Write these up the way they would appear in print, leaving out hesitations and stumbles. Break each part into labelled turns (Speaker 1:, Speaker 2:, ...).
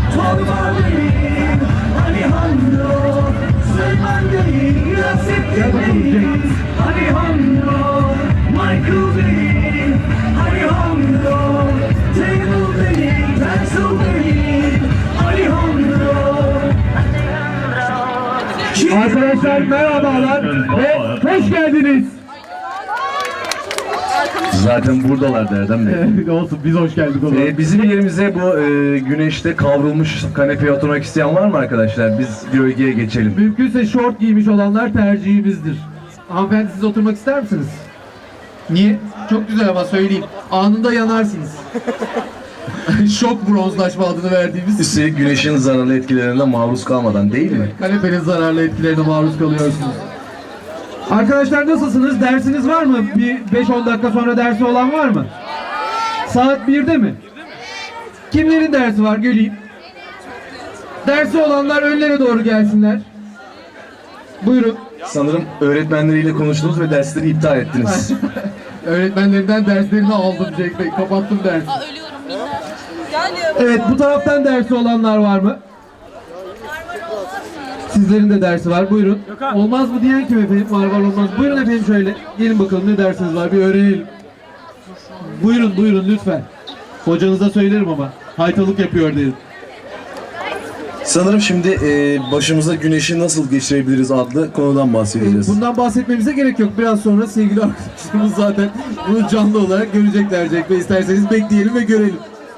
Speaker 1: Torba değil, Alejandro. Süleyman değil, Nasip değil, Alejandro. Michael değil, Alejandro. Table değil, pencil değil, Alejandro.
Speaker 2: Arkadaşlar merhabalar ve hoş geldiniz.
Speaker 3: Zaten buradalar Erdem Bey.
Speaker 2: Olsun biz hoş geldik o zaman.
Speaker 3: Bizim yerimize bu güneşte kavrulmuş kanepeye oturmak isteyen var mı arkadaşlar? Biz gölgeye geçelim.
Speaker 2: Mümkünse şort giymiş olanlar tercihimizdir. Hanımefendi siz oturmak ister misiniz? Niye? Çok güzel ama söyleyeyim. Anında yanarsınız. Şok bronzlaşma adını verdiğimiz
Speaker 3: Üstelik güneşin zararlı etkilerine maruz kalmadan değil mi?
Speaker 2: kanepenin zararlı etkilerine maruz kalıyorsunuz. Arkadaşlar nasılsınız? Dersiniz var mı? Bir 5-10 dakika sonra dersi olan var mı? Saat 1'de mi? Kimlerin dersi var? Göreyim. Dersi olanlar önlere doğru gelsinler. Buyurun.
Speaker 3: Sanırım öğretmenleriyle konuştunuz ve dersleri iptal ettiniz.
Speaker 2: Öğretmenlerinden derslerini aldım Cenk Bey. Kapattım dersi.
Speaker 4: Ölüyorum minnak. Gel.
Speaker 2: Evet, bu taraftan dersi olanlar var mı? Sizlerin de dersi var. Buyurun. Olmaz mı diyen kim efendim? Var olmaz. Buyurun efendim şöyle. Gelin bakalım ne dersiniz var bir öğrenelim. Buyurun lütfen. Hocanıza söylerim ama. Haytalık yapıyor dedim.
Speaker 3: Sanırım şimdi başımıza güneşi nasıl geçirebiliriz adlı konudan bahsedeceğiz.
Speaker 2: Bundan bahsetmemize gerek yok. Biraz sonra sevgili arkadaşlarımız zaten bunu canlı olarak görecekler Cenk Bey. İsterseniz bekleyelim ve görelim.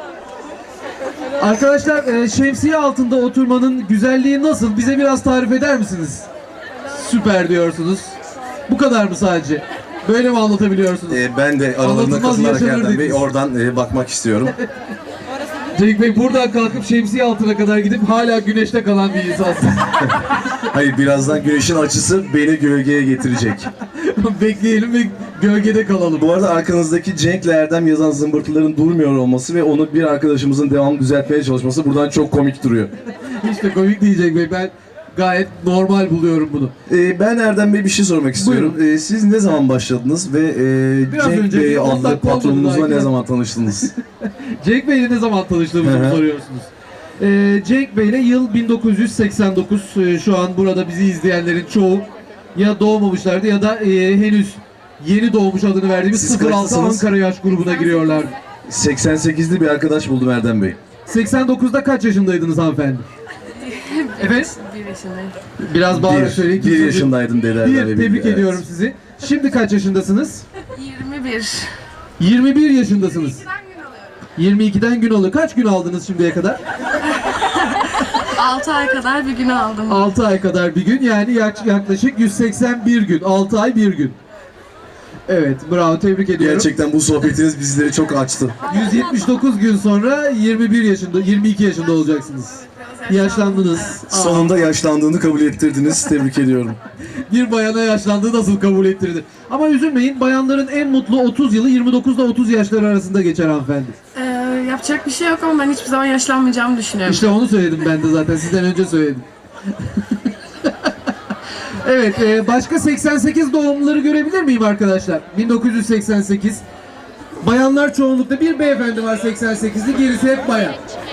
Speaker 2: Arkadaşlar şemsiye altında oturmanın güzelliği nasıl? Bize biraz tarif eder misiniz? Süper diyorsunuz. Bu kadar mı sadece? Böyle mi anlatabiliyorsunuz?
Speaker 3: Ben de aralarında
Speaker 2: Anlatılmaz
Speaker 3: katılarak
Speaker 2: yaşanır
Speaker 3: Erdem Bey
Speaker 2: dediniz.
Speaker 3: oradan bakmak istiyorum.
Speaker 2: Cenk Bey buradan kalkıp şemsiye altına kadar gidip hala güneşte kalan bir insansınız.
Speaker 3: Hayır, birazdan güneşin açısı beni gölgeye getirecek.
Speaker 2: Bekleyelim ve gölgede kalalım.
Speaker 3: Bu arada arkanızdaki Cenk'le Erdem yazan zımbırtıların durmuyor olması ve onu bir arkadaşımızın devamlı düzeltmeye çalışması buradan çok komik duruyor.
Speaker 2: Hiç de komik değil Cenk Bey. Ben gayet normal buluyorum bunu.
Speaker 3: Ben Erdem Bey bir şey sormak istiyorum. Siz ne zaman başladınız ve
Speaker 2: Biraz
Speaker 3: Cenk
Speaker 2: önce
Speaker 3: Bey
Speaker 2: bir 10
Speaker 3: adlı
Speaker 2: dakika oldu
Speaker 3: patronunuzla
Speaker 2: belki.
Speaker 3: ne zaman tanıştınız?
Speaker 2: Cenk Bey'le ne zaman tanıştığımızı mı soruyorsunuz? Cenk Bey'le yıl 1989. Şu an burada bizi izleyenlerin çoğu ya doğmamışlardı ya da henüz yeni doğmuş adını verdiğimiz
Speaker 3: Siz
Speaker 2: 06
Speaker 3: kaçlısınız?
Speaker 2: Ankara yaş grubuna giriyorlar.
Speaker 3: 88'li bir arkadaş buldum Erdem Bey.
Speaker 2: 89'da kaç yaşındaydınız hanımefendi? Efendim?
Speaker 4: 1 yaşındayım.
Speaker 2: Biraz bağırarak söyleyin.
Speaker 3: Bir yaşındaydım dedi Erdem Bey.
Speaker 2: Tebrik
Speaker 3: Evet.
Speaker 2: ediyorum sizi. Şimdi kaç yaşındasınız?
Speaker 4: 21.
Speaker 2: 21 yaşındasınız. 22'den gün alıyor. Kaç gün aldınız şimdiye kadar?
Speaker 4: 6 ay kadar bir gün aldım.
Speaker 2: 6 ay kadar bir gün, yani yaklaşık 181 gün. 6 ay bir gün. Evet, bravo, tebrik ediyorum.
Speaker 3: Gerçekten bu sohbetiniz bizleri çok açtı.
Speaker 2: 179 gün sonra 22 yaşında olacaksınız. Yaşlandınız.
Speaker 3: Sonunda yaşlandığını kabul ettirdiniz. Tebrik ediyorum.
Speaker 2: Bir bayana yaşlandığı nasıl kabul ettirdi? Ama üzülmeyin, bayanların en mutlu 30 yılı 29 ile 30 yaşları arasında geçer hanımefendi.
Speaker 4: Yapacak bir şey yok ama ben hiçbir zaman yaşlanmayacağımı düşünüyorum.
Speaker 2: İşte onu söyledim ben de zaten, sizden önce söyledim. Evet, başka 88 doğumluları görebilir miyim arkadaşlar? 1988. Bayanlar çoğunlukta, bir beyefendi var 88'li, gerisi hep bayan.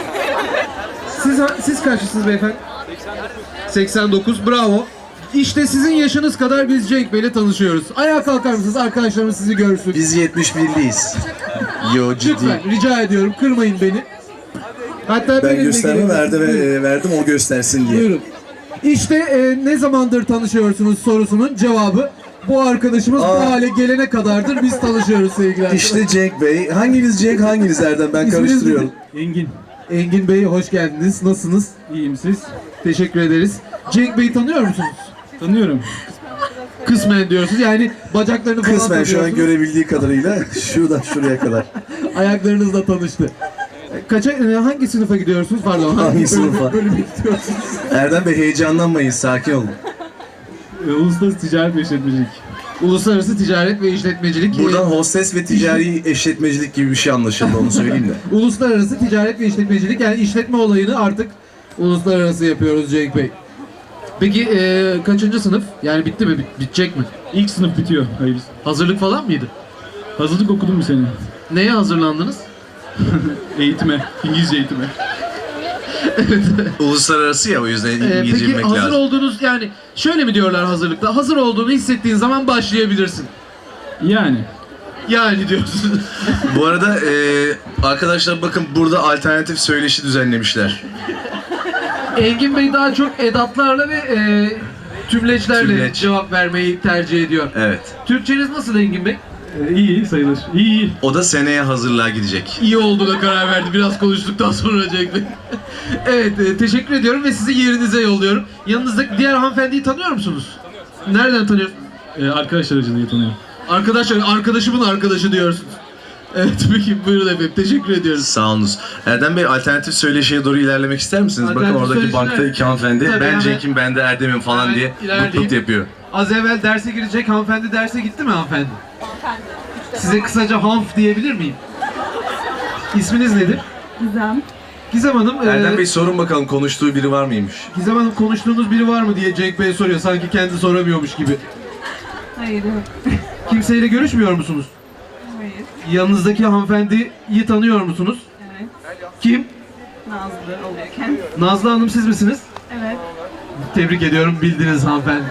Speaker 2: Siz kaçlısınız beyefendi? 89, bravo. İşte sizin yaşınız kadar biz Cenk Bey'le tanışıyoruz. Ayağa kalkar mısınız? Arkadaşlarımız sizi görsün.
Speaker 3: Biz 71'liyiz. Yo, ciddi.
Speaker 2: Lütfen rica ediyorum, kırmayın beni. Hatta
Speaker 3: Ben
Speaker 2: benimle
Speaker 3: gösterme
Speaker 2: gelin.
Speaker 3: verdim o göstersin diye.
Speaker 2: Buyurun. İşte ne zamandır tanışıyorsunuz sorusunun cevabı. Bu arkadaşımız bu hale gelene kadardır biz tanışıyoruz sevgili arkadaşlar.
Speaker 3: İşte Cenk Bey. Hanginiz Cenk, hanginiz Erdem? Ben
Speaker 2: İsminiz
Speaker 3: karıştırıyorum.
Speaker 5: Engin.
Speaker 2: Engin Bey, hoş geldiniz. Nasılsınız?
Speaker 5: İyiyim, siz?
Speaker 2: Teşekkür ederiz. Cenk Bey'i tanıyor musunuz?
Speaker 5: Tanıyorum.
Speaker 2: Kısmen diyorsunuz, yani bacaklarını falan
Speaker 3: Kısmen şu an
Speaker 2: tanıyorsunuz.
Speaker 3: görebildiği kadarıyla şuradan şuraya kadar.
Speaker 2: Ayaklarınızla tanıştı. Hangi sınıfa gidiyorsunuz? Pardon.
Speaker 3: Hangi sınıfa?
Speaker 2: Bölüme gidiyorsunuz.
Speaker 3: Erdem Bey, heyecanlanmayın, sakin olun.
Speaker 5: Uluslararası Ticaret ve İşletmecilik.
Speaker 2: Uluslararası Ticaret ve İşletmecilik.
Speaker 3: Buradan hostes ve ticari eşletmecilik gibi bir şey anlaşıldı, onu söyleyeyim de.
Speaker 2: Uluslararası Ticaret ve İşletmecilik, yani işletme olayını artık uluslararası yapıyoruz Cenk Bey. Peki kaçıncı sınıf? Yani bitti mi? Bitecek mi?
Speaker 5: İlk sınıf bitiyor. Hayır.
Speaker 2: Hazırlık falan mıydı?
Speaker 5: Hazırlık okudum bir sene.
Speaker 2: Neye hazırlandınız?
Speaker 5: Eğitime. İngilizce eğitime.
Speaker 3: Uluslararası ya, o yüzden İngilizce
Speaker 2: Peki
Speaker 3: bilmek
Speaker 2: hazır
Speaker 3: lazım.
Speaker 2: olduğunuz, yani şöyle mi diyorlar hazırlıkta? Hazır olduğunu hissettiğin zaman başlayabilirsin.
Speaker 5: Yani.
Speaker 2: Yani diyorsun.
Speaker 3: Bu arada arkadaşlar bakın, burada alternatif söyleşi düzenlemişler.
Speaker 2: Engin Bey daha çok edatlarla ve tümleçlerle
Speaker 3: Tümleç.
Speaker 2: cevap vermeyi tercih ediyor.
Speaker 3: Evet.
Speaker 2: Türkçeniz nasıl Engin Bey?
Speaker 5: İyi sayılır. İyi.
Speaker 3: O da seneye hazırlığa gidecek.
Speaker 2: İyi olduğuna karar verdi biraz konuştuktan sonra Cenk Bey. Evet, teşekkür ediyorum ve sizi yerinize yolluyorum. Yanınızdaki diğer hanımefendiyi tanıyor musunuz? Nereden tanıyorsunuz?
Speaker 5: Arkadaş aracılığıyla tanıyorum.
Speaker 2: Arkadaşlar, arkadaşımın arkadaşı diyorsunuz. Evet, peki buyurun efendim, teşekkür ediyoruz.
Speaker 3: Sağ olunuz. Erdem Bey, alternatif söyleşiye doğru ilerlemek ister misiniz? Bakın
Speaker 2: Alternatif
Speaker 3: oradaki
Speaker 2: söyleşi
Speaker 3: bankta
Speaker 2: nerede?
Speaker 3: iki hanımefendi.
Speaker 2: Tabii,
Speaker 3: Ben
Speaker 2: hemen-
Speaker 3: Cenk'im, ben de Erdem'im falan
Speaker 2: Hemen
Speaker 3: diye
Speaker 2: ilerleyeyim.
Speaker 3: mutluluk yapıyor.
Speaker 2: Az evvel derse girecek hanımefendi derse gitti mi hanımefendi? Size kısaca hanf diyebilir miyim? İsminiz nedir?
Speaker 6: Gizem.
Speaker 2: Gizem Hanım,
Speaker 3: Erdem Bey, sorun bakalım, konuştuğu biri var mıymış?
Speaker 2: Gizem Hanım konuştuğunuz biri var mı diye Cenk Bey soruyor. Sanki kendi soramıyormuş gibi.
Speaker 6: Hayır yok.
Speaker 2: Kimseyle görüşmüyor musunuz?
Speaker 6: Hayır.
Speaker 2: Yanınızdaki hanımefendiyi tanıyor musunuz?
Speaker 6: Evet.
Speaker 2: Kim?
Speaker 6: Nazlı oluyorken.
Speaker 2: Nazlı Hanım, siz misiniz?
Speaker 6: Evet.
Speaker 2: Tebrik ediyorum, bildiniz hanımefendi.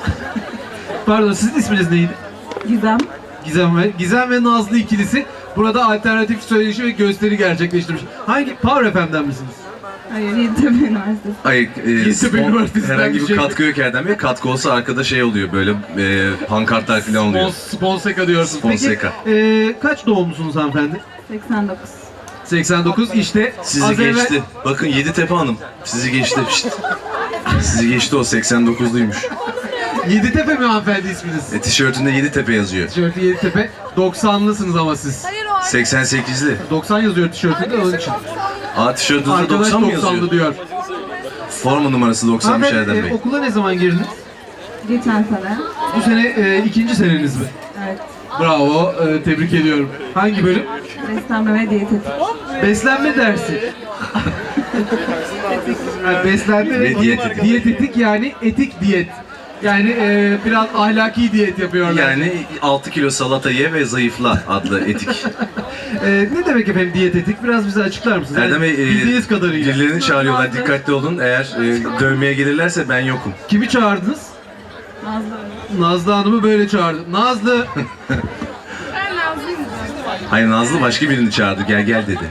Speaker 2: Pardon, sizin isminiz neydi?
Speaker 6: Gizem.
Speaker 2: Gizem ve Nazlı ikilisi burada alternatif söyleşi ve gösteri gerçekleştirmiş. Hangi? Power FM'den misiniz?
Speaker 6: Hayır, Yeditepe Üniversitesi.
Speaker 3: Hayır,
Speaker 2: Yeditepe Üniversitesi'nden
Speaker 3: herhangi bir
Speaker 2: diyecektim.
Speaker 3: katkı yok Erdem Bey. Katkı olsa arkada şey oluyor, böyle pankartlar falan oluyor.
Speaker 2: Sponseka diyorsunuz.
Speaker 3: Sponseka.
Speaker 2: Peki kaç doğumlusunuz hanımefendi?
Speaker 6: 89.
Speaker 2: 89, işte
Speaker 3: Sizi
Speaker 2: az evvel-
Speaker 3: geçti. Bakın Yeditepe Hanım, sizi geçti. Şşt. Sizi geçti, o 89'luymuş.
Speaker 2: Yeditepe mi hanımefendi isminiz?
Speaker 3: Tişörtünde Yeditepe yazıyor.
Speaker 2: Tişörtü Yeditepe. 90'lısınız ama siz.
Speaker 3: 88'li.
Speaker 2: 90 yazıyor tişörtünde, onun için.
Speaker 3: Tişörtünüzde
Speaker 2: Arkadaş
Speaker 3: 90 mı
Speaker 2: 90'lı
Speaker 3: yazıyor?
Speaker 2: diyor.
Speaker 3: Forma numarası 90'mış
Speaker 2: Hanımefendi,
Speaker 3: Erdem Bey.
Speaker 2: okula ne zaman girdiniz?
Speaker 6: Geçen sene.
Speaker 2: Bu sene ikinci seneniz mi?
Speaker 6: Evet.
Speaker 2: Bravo, tebrik ediyorum. Hangi bölüm?
Speaker 6: Beslenme ve diyetetik.
Speaker 2: Beslenme dersi. Yani beslenme
Speaker 3: Ve
Speaker 2: ve
Speaker 3: diyetetik.
Speaker 2: diyetetik, yani etik diyet. Yani biraz ahlaki diyet yapıyorlar.
Speaker 3: Yani 6 kilo salata ye ve zayıfla adlı etik.
Speaker 2: Ne demek efendim diyetetik? Biraz bize açıklar mısınız?
Speaker 3: Erdem Bey,
Speaker 2: bildiğiniz kadarıyla.
Speaker 3: birilerini çağırıyorlar, dikkatli olun. Eğer dövmeye gelirlerse ben yokum.
Speaker 2: Kimi çağırdınız?
Speaker 6: Nazlı.
Speaker 2: Nazlı Hanım'ı böyle çağırdım. Nazlı!
Speaker 3: Hayır, Nazlı başka birini çağırdı, gel gel dedi.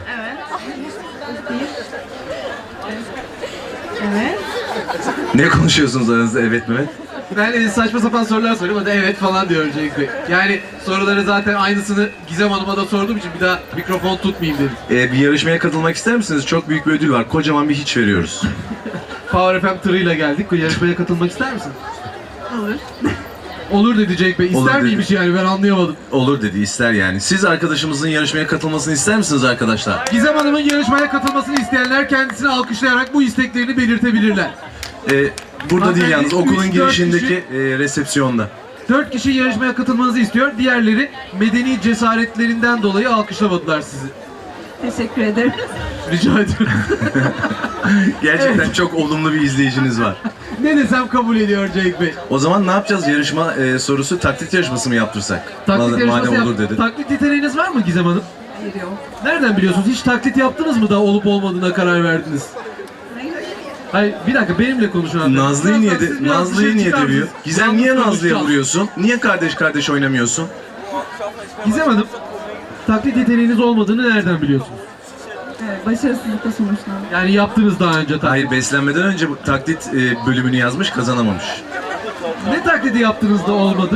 Speaker 6: Evet.
Speaker 3: Ne konuşuyorsunuz aranızda, evet Mehmet?
Speaker 2: Ben saçma sapan sorular soruyorum. O da evet falan diyor Cenk Bey. Yani soruları zaten aynısını Gizem Hanım'a da sorduğum için bir daha mikrofon tutmayayım dedim.
Speaker 3: Bir yarışmaya katılmak ister misiniz? Çok büyük bir ödül var, kocaman bir hiç veriyoruz.
Speaker 2: Power FM tırıyla geldik. Bu yarışmaya katılmak ister misin?
Speaker 6: Olur.
Speaker 2: Olur dedi Cenk Bey.
Speaker 3: Olur
Speaker 2: İster
Speaker 3: dedi.
Speaker 2: miymiş yani, ben anlayamadım.
Speaker 3: Olur dedi, ister yani. Siz arkadaşımızın yarışmaya katılmasını ister misiniz arkadaşlar?
Speaker 2: Gizem Hanım'ın yarışmaya katılmasını isteyenler kendisini alkışlayarak bu isteklerini belirtebilirler.
Speaker 3: Burada değil yalnız,
Speaker 2: Hanımefendi,
Speaker 3: okulun
Speaker 2: 3-4
Speaker 3: girişindeki resepsiyonda.
Speaker 2: 4 kişi yarışmaya katılmanızı istiyor. Diğerleri medeni cesaretlerinden dolayı alkışlamadılar sizi.
Speaker 6: Teşekkür ederim.
Speaker 2: Rica ediyorum.
Speaker 3: Gerçekten çok olumlu bir izleyiciniz var.
Speaker 2: Ne desem kabul ediyor Cenk Bey.
Speaker 3: O zaman ne yapacağız? Yarışma sorusu taklit yarışması mı yaptırsak?
Speaker 2: Taklit yarışması
Speaker 3: Madem olur
Speaker 2: yap.
Speaker 3: dedi.
Speaker 2: Taklit yeteneğiniz var mı Gizem Hanım?
Speaker 6: Hayır yok.
Speaker 2: Nereden biliyorsunuz? Hiç taklit yaptınız mı da olup olmadığına karar verdiniz?
Speaker 6: Hayır.
Speaker 2: Hayır, bir dakika, benimle konuşun abi.
Speaker 3: Nazlı'yı niye,
Speaker 2: Siz biraz
Speaker 3: Nazlı'yı
Speaker 2: dışarı
Speaker 3: niye
Speaker 2: çıkar
Speaker 3: dövüyor?
Speaker 2: mısınız?
Speaker 3: Gizem niye Nazlı'ya
Speaker 2: konuşacağız.
Speaker 3: vuruyorsun? Niye kardeş kardeş oynamıyorsun?
Speaker 2: Gizem Hanım, taklit yeteneğiniz olmadığını nereden biliyorsunuz?
Speaker 6: Evet, başarısızlıkla sonuçlandı.
Speaker 2: Yani yaptınız daha önce taklit.
Speaker 3: Hayır, beslenmeden önce bu taklit bölümünü yazmış, kazanamamış.
Speaker 2: Ne taklidi yaptınız da olmadı?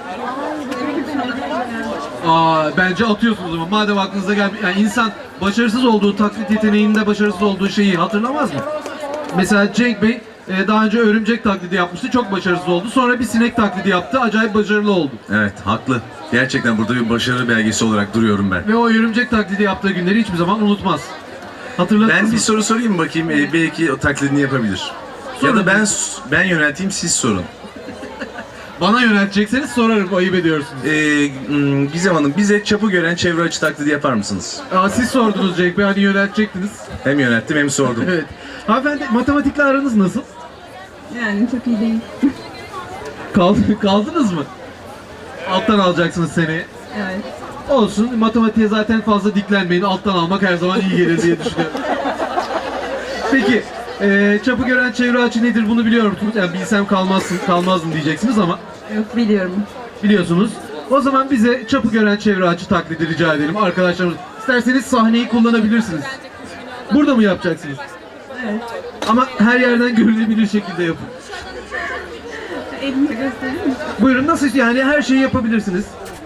Speaker 2: Bence atıyorsunuz o zaman. Madem aklınıza gelmiyor. Yani insan başarısız olduğu taklit yeteneğinde başarısız olduğu şeyi hatırlamaz mı? Mesela Cenk Bey daha önce örümcek taklidi yapmıştı. Çok başarısız oldu. Sonra bir sinek taklidi yaptı. Acayip başarılı oldu.
Speaker 3: Evet, haklı. Gerçekten burada bir başarı belgesi olarak duruyorum ben.
Speaker 2: Ve o örümcek taklidi yaptığı günleri hiçbir zaman unutmaz. Hatırladınız
Speaker 3: Ben
Speaker 2: mı?
Speaker 3: bir soru sorayım bakayım, belki o taklidini yapabilir. Ya da ben yönelteyim, siz sorun.
Speaker 2: Bana yöneltecekseniz sorarım. Ayıp ediyorsunuz.
Speaker 3: Gizem Hanım, bize çapı gören çevre açı taklidi yapar mısınız?
Speaker 2: Siz sordunuz Cenk Bey. Hani yöneltecektiniz.
Speaker 3: Hem yönelttim hem sordum.
Speaker 2: Evet. Hanımefendi, matematikle aranız nasıl?
Speaker 6: Yani çok iyi değil.
Speaker 2: Kaldınız mı? Alttan alacaksınız seneye.
Speaker 6: Evet.
Speaker 2: Olsun, matematiğe zaten fazla diklenmeyin. Alttan almak her zaman iyi gelir diye düşünüyorum. Peki, çapı gören çevre açı nedir bunu biliyor musunuz? Yani bilsem kalmazdım diyeceksiniz ama
Speaker 6: Yok, biliyorum.
Speaker 2: biliyorsunuz. O zaman bize çapı gören çevre açı taklidi rica edelim arkadaşlarımız. İsterseniz sahneyi kullanabilirsiniz. Burada mı yapacaksınız?
Speaker 6: Evet.
Speaker 2: Ama her yerden görülebilir şekilde yapın.
Speaker 6: Elimi göstereyim mi?
Speaker 2: Buyurun, nasıl yani her şeyi yapabilirsiniz.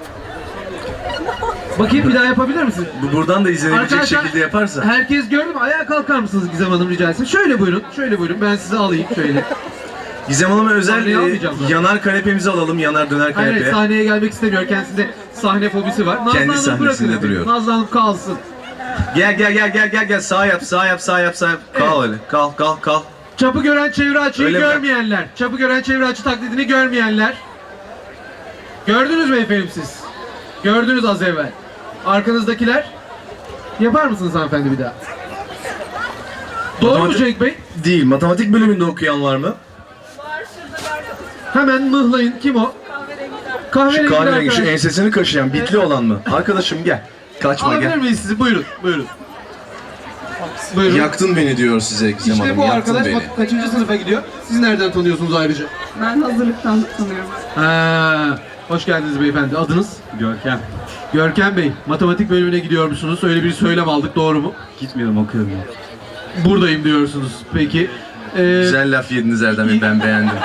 Speaker 2: Bakayım bir daha yapabilir misiniz?
Speaker 3: Bu buradan da izlenebilecek
Speaker 2: Arkadaşlar,
Speaker 3: şekilde yaparsa.
Speaker 2: herkes gördü mü? Ayağa kalkar mısınız Gizem Hanım rica etsem? Şöyle buyurun, şöyle buyurun. Ben sizi alayım şöyle.
Speaker 3: Gizem Hanım'a özel
Speaker 2: Sahneye almayacağım zaten.
Speaker 3: yanar kanepemizi alalım. Yanar döner
Speaker 2: Hayır,
Speaker 3: kanepe.
Speaker 2: sahneye gelmek istemiyor. Kendisinde sahne fobisi var. Nazlı
Speaker 3: Kendi
Speaker 2: Hanım
Speaker 3: sahnesinde
Speaker 2: bırakın efendim.
Speaker 3: duruyor.
Speaker 2: Nazlı Hanım kalsın.
Speaker 3: Gel. Sağ yap. Kal öyle. Kal.
Speaker 2: Çapı gören çevre açıyı
Speaker 3: Öyle mi?
Speaker 2: görmeyenler. Çapı gören çevre açı taklidini görmeyenler. Gördünüz mü efendim siz? Gördünüz az evvel. Arkanızdakiler. Yapar mısınız hanımefendi bir daha? Doğru mu
Speaker 3: Matematik-
Speaker 2: Cenk Bey?
Speaker 3: Değil. Matematik bölümünde okuyan var mı?
Speaker 2: Hemen mıhlayın. Kim o?
Speaker 3: Şu
Speaker 2: Kahverengi
Speaker 3: kahverengi, şu
Speaker 2: arkadaş.
Speaker 3: ensesini kaşıyan, bitli olan mı? Arkadaşım gel. Kaçma
Speaker 2: Alabilir
Speaker 3: gel.
Speaker 2: miyiz sizi? Buyurun. Buyurun.
Speaker 3: Yaktın beni diyor size Gizem
Speaker 2: İşte
Speaker 3: Hanım.
Speaker 2: bu
Speaker 3: Yaktın
Speaker 2: arkadaş
Speaker 3: beni.
Speaker 2: bak kaçıncı sınıfa gidiyor? Siz nereden tanıyorsunuz ayrıca?
Speaker 6: Ben hazırlıktan tanıyorum.
Speaker 2: Hoş geldiniz beyefendi. Adınız?
Speaker 5: Görkem.
Speaker 2: Görkem Bey. Matematik bölümüne gidiyormuşsunuz. Öyle bir söylem aldık. Doğru mu?
Speaker 5: Gitmiyorum, okuyorum ya.
Speaker 2: Buradayım diyorsunuz. Peki.
Speaker 3: Güzel laf yediniz Erdem Bey, ben beğendim.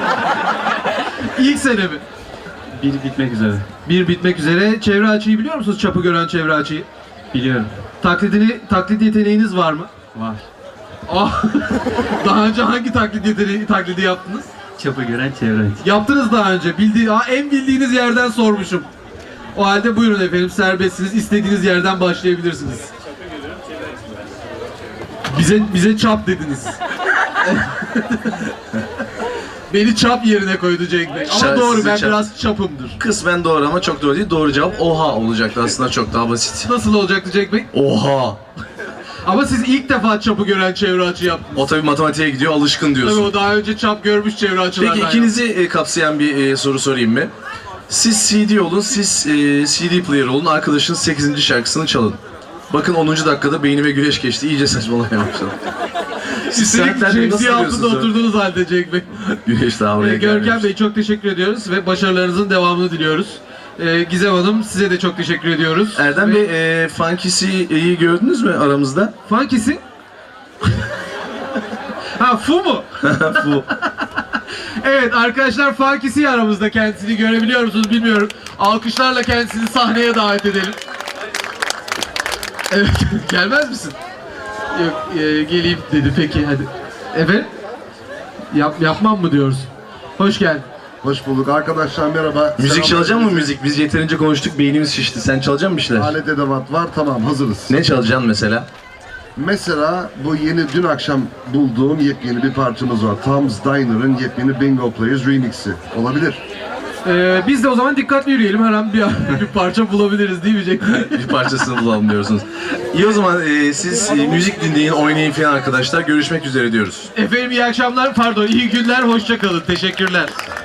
Speaker 2: İlk sene mi?
Speaker 5: Bir bitmek üzere.
Speaker 2: Bir bitmek üzere. Çevre açıyı biliyor musunuz? Çapı gören çevre açıyı.
Speaker 5: Biliyorum.
Speaker 2: Taklit yeteneğiniz var mı?
Speaker 5: Var.
Speaker 2: Ah, daha önce hangi taklidi yaptınız?
Speaker 5: Çapı gören çevre açı.
Speaker 2: Yaptınız daha önce. En bildiğiniz yerden sormuşum. O halde buyurun efendim, serbestsiniz. İstediğiniz yerden başlayabilirsiniz. Bize çap dediniz. Beni çap yerine koydu Cenk Bey. Ama
Speaker 3: Sizi
Speaker 2: doğru, ben
Speaker 3: çap-
Speaker 2: biraz çapımdır.
Speaker 3: Kısmen doğru ama çok doğru değil. Doğru cevap oha olacaktı, aslında çok daha basit.
Speaker 2: Nasıl olacaktı Cenk Bey?
Speaker 3: Oha!
Speaker 2: Ama siz ilk defa çapı gören çevre açı yaptınız.
Speaker 3: O tabii matematiğe gidiyor, alışkın
Speaker 2: Tabii
Speaker 3: diyorsun.
Speaker 2: o daha önce çap görmüş çevre açılardan.
Speaker 3: Peki ikinizi kapsayan bir soru sorayım mı? Siz CD olun, siz CD player olun, arkadaşınız 8. şarkısını çalın. Bakın 10. dakikada beynime güneş geçti, iyice saçmalamaya başladım. Siz
Speaker 2: Üstelik
Speaker 3: saatlerce nasıl
Speaker 2: şemsiye altında
Speaker 3: diyorsunuz?
Speaker 2: oturduğunuz halde Cenk Bey.
Speaker 3: Güneş daha oraya
Speaker 2: Görkem
Speaker 3: gelmemiş.
Speaker 2: Bey çok teşekkür ediyoruz ve başarılarınızın devamını diliyoruz. Gizem Hanım size de çok teşekkür ediyoruz.
Speaker 3: Erdem Bey, Funkisi'yi gördünüz mü aramızda?
Speaker 2: Funkisi? Ha, Fu mu?
Speaker 3: Bu.
Speaker 2: Evet arkadaşlar, Funkisi aramızda, kendisini görebiliyor musunuz bilmiyorum. Alkışlarla kendisini sahneye davet edelim. Evet, gelmez misin? Yok, geleyim dedi, peki hadi. Efendim? Yapmam mı diyoruz? Hoş geldin.
Speaker 7: Hoş bulduk arkadaşlar, merhaba.
Speaker 3: Müzik
Speaker 7: Selamlar.
Speaker 3: çalacak mı müzik? Biz yeterince konuştuk, beynimiz şişti. Sen çalacak mısın bir şeyler?
Speaker 7: Alet edevat var, tamam, hazırız.
Speaker 3: Ne çalacaksın mesela?
Speaker 7: Mesela bu dün akşam bulduğum yepyeni bir parçamız var. Tom's Diner'ın yepyeni Bingo Players remix'i. Olabilir.
Speaker 2: Biz de o zaman dikkatli yürüyelim, her an bir parça bulabiliriz değil mi Cenk Bey?
Speaker 3: Bir parçasını bulalım diyorsunuz. İyi o zaman siz müzik dinleyin, oynayın falan arkadaşlar. Görüşmek üzere diyoruz.
Speaker 2: Efendim iyi akşamlar, pardon iyi günler, hoşça kalın, teşekkürler.